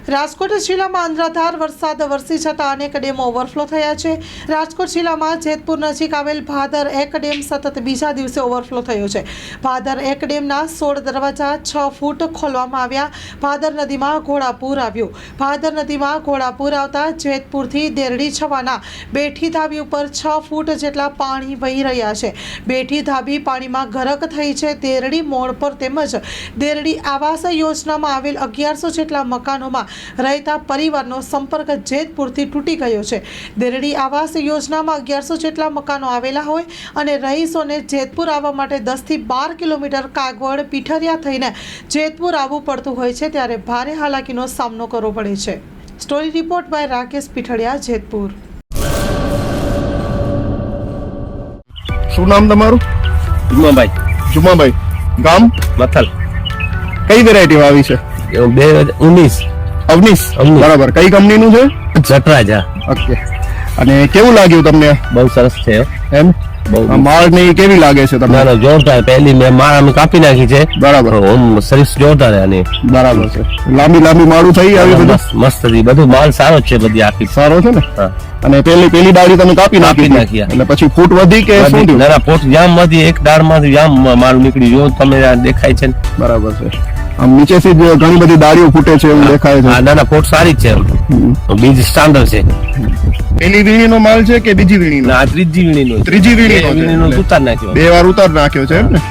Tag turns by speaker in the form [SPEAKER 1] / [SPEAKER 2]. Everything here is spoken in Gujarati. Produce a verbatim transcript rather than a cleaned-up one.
[SPEAKER 1] રાજકોટ જિલ્લામાં અનરાધાર વરસાદ વરસી જતા અનેક ડેમો ઓવરફ્લો થયા છે। રાજકોટ જિલ્લામાં જેતપુર નજીક આવેલ ભાદર એક ડેમ સતત બીજા દિવસે ઓવરફ્લો થયો છે। ભાદર એક ડેમના સોળ દરવાજા છ ફૂટ ખોલવામાં આવ્યા। ભાદર નદીમાં ઘોડાપૂર આવ્યું। ભાદર નદીમાં ઘોડાપૂર આવતા જેતપુરથી દેરડી છવાના બેઠી ધાબી ઉપર છ ફૂટ જેટલા પાણી વહી રહ્યા છે। બેઠી ધાબી પાણીમાં ગરક થઈ છે। દેરડી મોડ પર તેમજ દેરડી આવાસ યોજનામાં આવેલ અગિયારસો જેટલા મકાનોમાં રહેતા પરિવારનો સંપર્ક જેતપુરથી તૂટી ગયો છે। દેરડી આવાસ યોજનામાં અગિયારસો જેટલા મકાનો આવેલા હોય અને રહીશોને જેતપુર આવવા માટે દસથી બાર કિલોમીટર કાગવડ પીઠરિયા થઈને જેતપુર આવવું પડતું હોય છે, ત્યારે ભારે હાલાકીનો સામનો કરવો પડે છે। Story report by Rakesh Pithadiya, Jetpur.
[SPEAKER 2] શું નામ તમારું?
[SPEAKER 3] જુમાભાઈ
[SPEAKER 2] જુમાભાઈ, ગામ
[SPEAKER 3] મથલ,
[SPEAKER 2] કઈ વેરાયટી વાવી છે?
[SPEAKER 3] બે હજાર ઉન્નીસ
[SPEAKER 2] અવનીશ,
[SPEAKER 3] અવનીશ.
[SPEAKER 2] બરાબર। કઈ કંપનીનું છે?
[SPEAKER 3] જટરાજા।
[SPEAKER 2] ઓકે, અને કેવું લાગ્યું તમને?
[SPEAKER 3] બહુ સરસ છે હો.
[SPEAKER 2] એમ
[SPEAKER 3] બહુ
[SPEAKER 2] આ માળ ને ઈ કેવી લાગે છે
[SPEAKER 3] ના
[SPEAKER 2] તમને?
[SPEAKER 3] ના જોરદાર, પહેલી મેં માળ અમે કાપી નાખી છે,
[SPEAKER 2] બરાબર
[SPEAKER 3] ઓમ સર્વિસ જોરદાર છે આની।
[SPEAKER 2] બરાબર છે। લાંબી લાંબી માળું થઈ આવી બધું
[SPEAKER 3] મસ્ત મસ્ત હતી, બધું માલ સારો જ છે બધી આખી।
[SPEAKER 2] સારો છે ને?
[SPEAKER 3] હા,
[SPEAKER 2] અને પેલી પેલી ડાળી તમે કાપી નાખી
[SPEAKER 3] કાપી
[SPEAKER 2] હતી.
[SPEAKER 3] નાખી,
[SPEAKER 2] એટલે પછી ફૂટ વધી કે શું
[SPEAKER 3] બધી-
[SPEAKER 2] થયું?
[SPEAKER 3] ના ના પોટ જામ માંથી એક દાળ માંથી જામ માલ નીકળી, જો તમે આ દેખાય છે ને।
[SPEAKER 2] બરાબર છે। આમ નીચેથી જ ઘણી બધી ડાળીઓ ફૂટે છે એવું દેખાય
[SPEAKER 3] હા
[SPEAKER 2] છે।
[SPEAKER 3] ના ના પોટ સારી જ છે,
[SPEAKER 2] હમ.
[SPEAKER 3] બીજ સ્ટાન્ડર્ડ છે।
[SPEAKER 2] પેલી વીણીનો માલ છે કે બીજી વીણીનો?
[SPEAKER 3] ના આ ત્રીજી વીણીનો,
[SPEAKER 2] ત્રીજી વીણીનો છે.
[SPEAKER 3] વીણીનો ઉતાર નાખ્યો।
[SPEAKER 2] બે વાર ઉતાર નાખ્યો છે એમ ને?